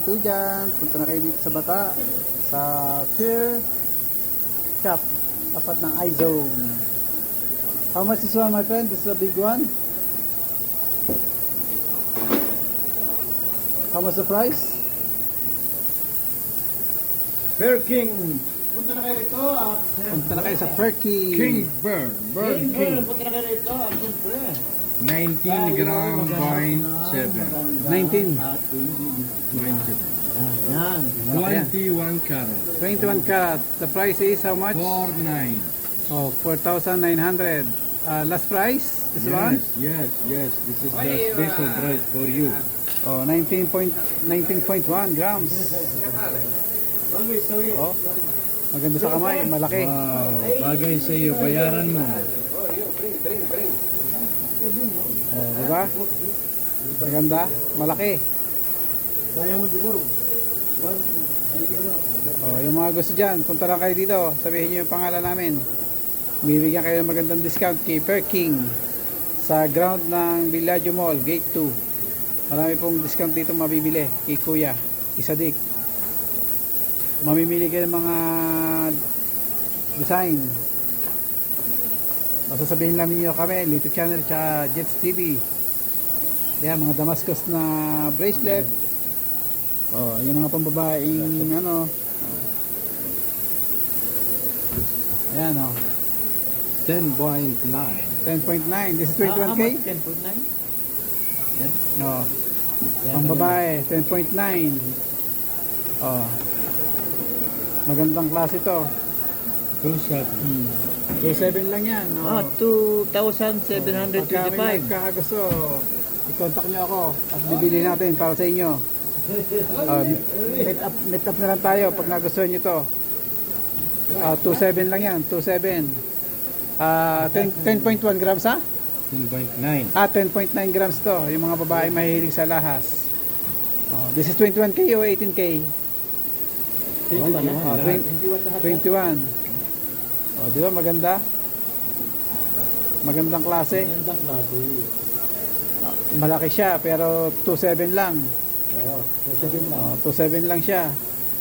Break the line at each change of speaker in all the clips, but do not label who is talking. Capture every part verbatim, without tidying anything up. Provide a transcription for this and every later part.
two dyan, punta na kayo dito sa Bata, sa Pier Shop, tapat ng iZone. How much is one, my friend? This is a big one. How much the price?
Fair King.
Punta na kayo rito at
Punta na kayo sa Perky.
King Burn. Burn King.
Punta na kayo rito at siyempre
nineteen gram point seven.
nineteen.
yan.
twenty-one carat.
twenty-one karat. The price is how much?
four nine.
Oh, four thousand nine hundred. Uh, last price? This one?
Yes, yes, yes. This is the special price for you.
Oh, nineteen point one grams. Oh, maganda sa kamay, malaki.
Wow, bagay sa iyo, bayaran mo.
Oh, diba? Maganda, malaki.
Kaya mo siguro.
Oh, yung mga gusto dyan, punta lang kayo dito. Sabihin nyo yung pangalan namin. Bibigyan kayo ng magandang discount kay Per King sa ground ng Villaggio Mall, Gate two. Marami pong discount dito mabibili kay Kuya Isadik. Mamimili kayo ng mga design. Masasabihin lang ninyo kami, Lito Channel tsaka Jets T V. Yan, mga Damascus na bracelet. Oh, yung mga pambabaeng ano. Ayan oh.
ten point nine.
ten point nine. This is twenty-one K?
ten point nine? Yan.
No. Pang babae, ten point nine. Oh. Magandang klase to.
two seven.
Hmm. two seven lang yan.
Ah,
Oh.
two thousand seven hundred
Pagka may
twenty-five.
magkakagusto, i-contact nyo ako at bibili natin para sa inyo. Uh, meet up, meet up na lang tayo pag nagustuhan nyo to. Uh, two seven lang yan, two seven. Uh, ten point one grams ha?
ten point nine.
Ah, ten point nine grams to. Yung mga babae mahilig sa lahas. Oh, this is twenty-one K o eighteen K? Oh, twenty-one. Oh, di ba maganda? Magandang klase.
Magandang klase.
Malaki siya pero two seven lang.
Oo, sasabihin lang.
Oh, two seven lang siya.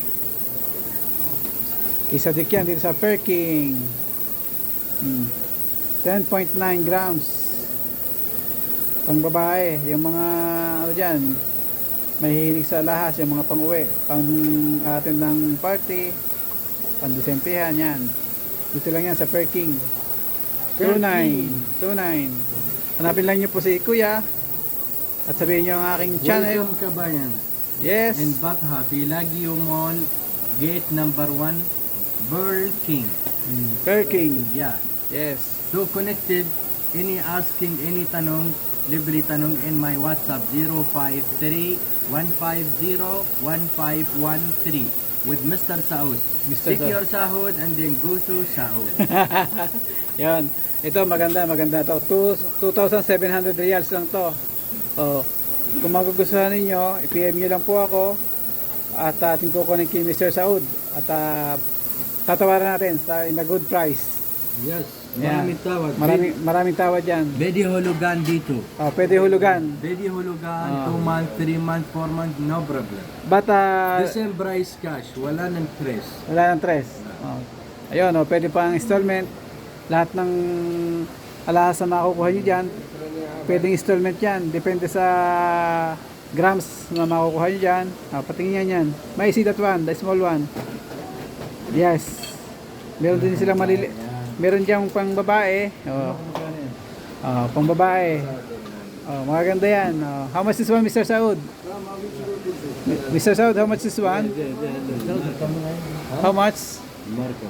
Kisa dik yan dito sa Per King. Hmm. ten point nine grams. Pang babae, yung mga ano diyan, mahihilig sa lahas, yung mga pang-uwi, pang atin ng party, pang disempihan yan. Dito lang yan sa Per King. two nine. two nine. Hanapin lang niyo po si Kuya at sabihin niyo ang aking channel.
Welcome kabayan.
Yes.
In Batha, Villaggio Mall, gate number one, Burl King.
Mm. Per King.
Yeah.
Yes.
So connected, any asking, any tanong, libre tanong in my WhatsApp zero five three one five zero one five one three with Mister Saud.
Mister
Take
Saud.
your sahod and then go to Saud.
Yan. Ito maganda, maganda to. two thousand seven hundred reals lang to. Oh. Kung magugustuhan ninyo, i-P M nyo lang po ako at ating kukunin kay Mister Saud at uh, tatawaran natin sa in a good price.
Yes.
Yeah.
Maraming tawag.
Maraming maraming tawad yan.
Pwede hulugan dito.
Oh, pwede hulugan.
Pwede hulugan,
Ah.
two months, three months, four months, no problem.
But uh,
The same price cash, wala ng tres.
wala nang tres. Oh. Ayun, oh, pwede pang installment. Lahat ng alahas na makukuha nyo dyan, pwedeng installment yan. Depende sa grams na makukuha nyo dyan. Ah, patingin yan yan. May see that one, the small one. Yes. Meron din silang malili. Meron diyang pang babae. Oh. Oh, pang babae. Oh, maganda yan. Oh. How much is one, Mister Saud? Mister Saud, how much is one? How much?
Marco.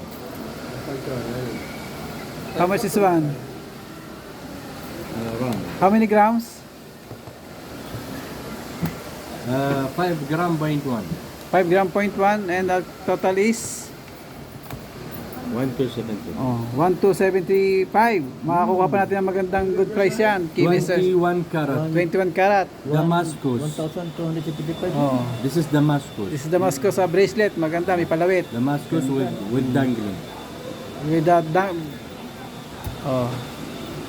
How much is one?
Uh, wrong.
How many grams?
Uh, five gram point one.
five gram point one and the total is
one two seventy.
oh, one two seventy-five. Makakuha pa natin ang magandang good price yan. Kay Mister
twenty-one carat.
twenty-one karat.
Damascus.
one thousand two hundred fifty-five.
Oh.
This is Damascus.
This is Damascus sa bracelet. Maganda, may palawit.
Damascus with with dangling.
With that, dang, oh.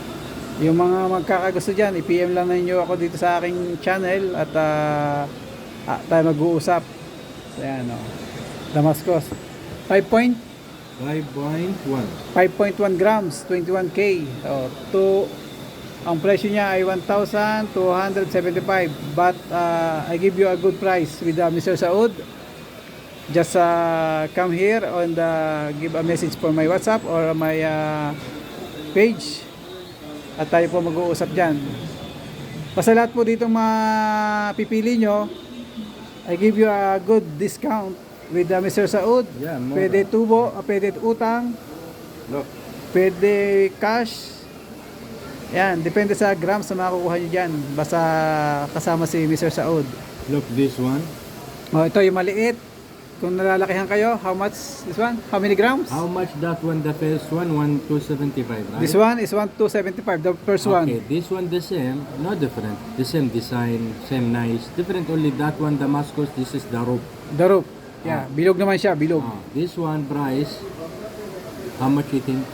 Yung mga magkakagusto dyan, i-P M lang ninyo ako dito sa aking channel at uh, ah, tayo mag-uusap. So, yan, oh. Damascus. five point
five point one.
five point one grams, twenty-one K. So, to, ang presyo niya ay one thousand two hundred seventy-five. But uh, I give you a good price with uh, Mister Saud. Just uh, come here and uh, give a message for my WhatsApp or my uh, page. At tayo po mag-uusap dyan. Basta lahat po dito mapipili nyo, I give you a good discount with uh, Mister Saud.
Yeah, more.
Pwede tubo, uh, pwede utang,
Look.
pwede cash. Yan, depende sa grams na makukuha nyo dyan. Basta kasama si Mister Saud.
Look, this one.
O, ito yung maliit. Kung nalalakihan kayo, how much this one? How many grams?
How much that one, the first one? one two seventy-five, right?
This one is one two seventy-five, the first one.
Okay, this one the same, no different. The same design, same nice. Different only that one Damascus, this is the rope.
The rope. Yeah, bilog naman siya, bilog.
Ah, this one price, how much you think?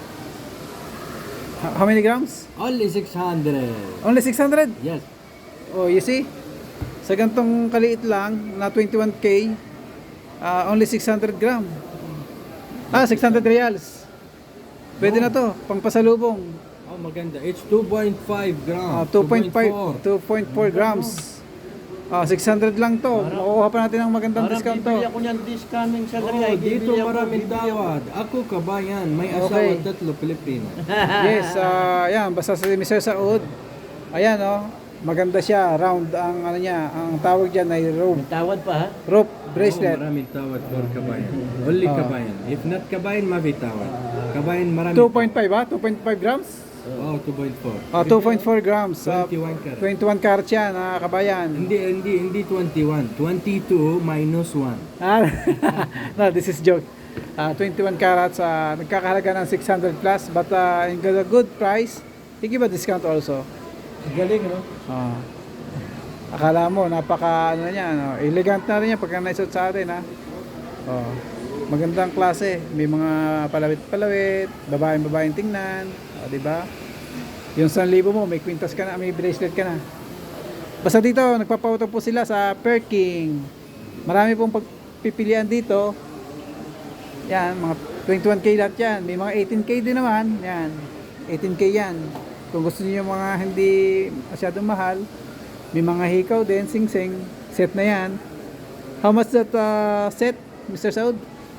H- How many grams?
Only six hundred.
Only six hundred?
Yes.
Oh, you see? Sa gantong kaliit lang, na twenty-one K, ah, only six hundred gram. Ah, six hundred reals. Pwede na to, pang pasalubong.
Oh, maganda. It's two point five
Ah,
grams.
two point five, two point four grams. Ah, six hundred lang to. Makukuha pa natin ng magandang
Parang
discount to.
bibili ako niyan this coming salary.
Oh,
ay,
dito
bibili ako,
maraming
bibili ako.
tawad. Ako kabayan, may
Okay.
asawa tatlo Pilipino.
Yes, ah, yan, basta si Mister Saud. Ayan, oh. Maganda siya, round ang ano niya, ang tawag diyan ay rope,
May tawad pa ha?
rope
Oh,
bracelet.
maraming tawad for kabayan. Only
Ah.
kabayan. If not kabayan, mabi tawad. Kabayan marami.
two point five ba? two point five grams?
Oh, two point four.
Ah, two point four grams. Ah,
twenty-one karat.
twenty-one karat siya na kabayan.
Hindi, hindi, hindi twenty-one. twenty-two minus one.
Ah, no, this is joke. Ah, twenty-one carats, ah, nagkakahalaga ng six hundred plus, but uh, in a good price, he give a discount also.
Galing no?
Ah. Akala mo, napaka ano niya, no? Elegant na rin yan pagka naisot sa atin, ha? Oh. Magandang klase. May mga palawit-palawit, babaeng-babaeng tingnan. O, di ba? Yung one thousand mo, may kwintas ka na, may bracelet ka na. Basta dito, nagpapautang po sila sa Perking. Marami pong pagpipilian dito. Yan, mga twenty-one K lahat yan. May mga eighteen K din naman. Yan, eighteen K yan. Kung gusto niyo yung mga hindi masyadong mahal, may mga hikaw din, sing-sing. Set na yan. How much that uh, set, Mister Saud?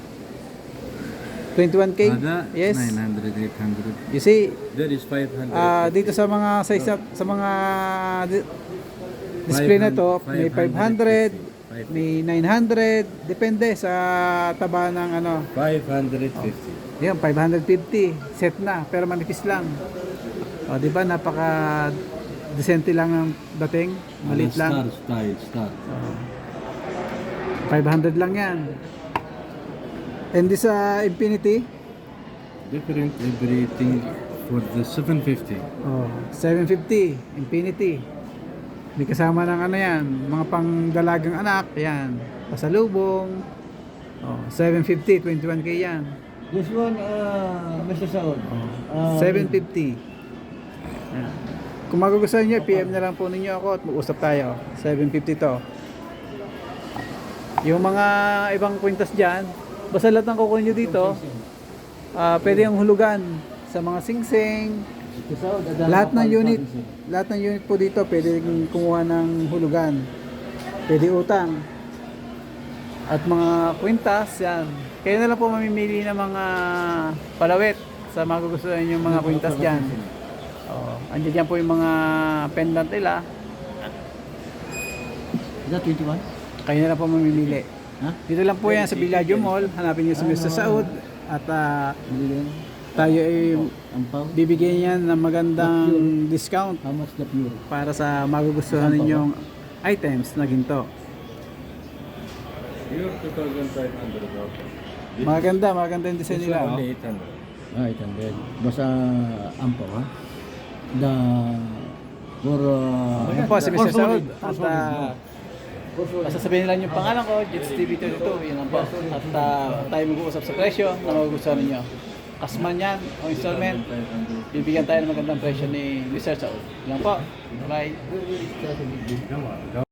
twenty-one K?
Ada,
Yes.
nine hundred, eight hundred.
You see,
There is five hundred.
ah dito sa mga size na- sa mga di- display na to, may five hundred, may nine hundred, depende sa taba ng ano.
five hundred fifty.
Yan, five hundred fifty set na, pero manipis lang. O, di ba napaka decente lang ang dating, maliit lang.
style, star.
five hundred lang yan. And this uh, Infinity,
Different everything for the seven fifty.
oh, seven fifty Infinity. May kasama ng ano yan, mga pangdalagang anak, yan, pasalubong. Oh, seven fifty, twenty-one K yan.
This one, uh, Mister Saud. Uh,
seven fifty. Yan. Kung magugustuhan nyo, P M na lang po ninyo ako at mag-usap tayo. seven fifty to. Yung mga ibang kwintas dyan, basta lahat ng kukunin nyo dito, ah pwede yung hulugan sa mga singsing.
Mister Saud, adala
Lahat
ka
ng
pa-
unit, lahat ng unit po dito pwede kumuha ng hulugan. Pwede utang. At mga kwintas, yan. Kayo na lang po mamimili ng mga palawit sa magugustuhan yung mga kwintas dyan. Oh, andiyan dyan po yung mga pendant nila.
Is that twenty-one?
Kayo na lang po mamimili.
Ha?
Dito lang po yan sa Villaggio Mall. Hanapin niyo si Mister Saud. At ah,
Million?
tayo ay
Ang pau?
bibigyan yan ng magandang discount
How much the pure?
para sa magugustuhan ninyong items na ginto.
Your two thousand five hundred.
Maganda, maganda yung design nila. Oh.
eight hundred.
Ah, eight hundred. Basta ampaw ha? The... For... Uh,
Ayan po si Mister
for solid.
Saud.
For
At
solid,
ah,
For solid.
basta sabihin lang yung pangalan ko, Jits T V twenty-two, yun lang po. At ah, tayo mag-uusap sa presyo na magugustuhan ninyo. Kasman yan o installment, bibigyan tayo ng magandang presyo ni Mister Saud. Yun lang po. Bye.
Come on, go.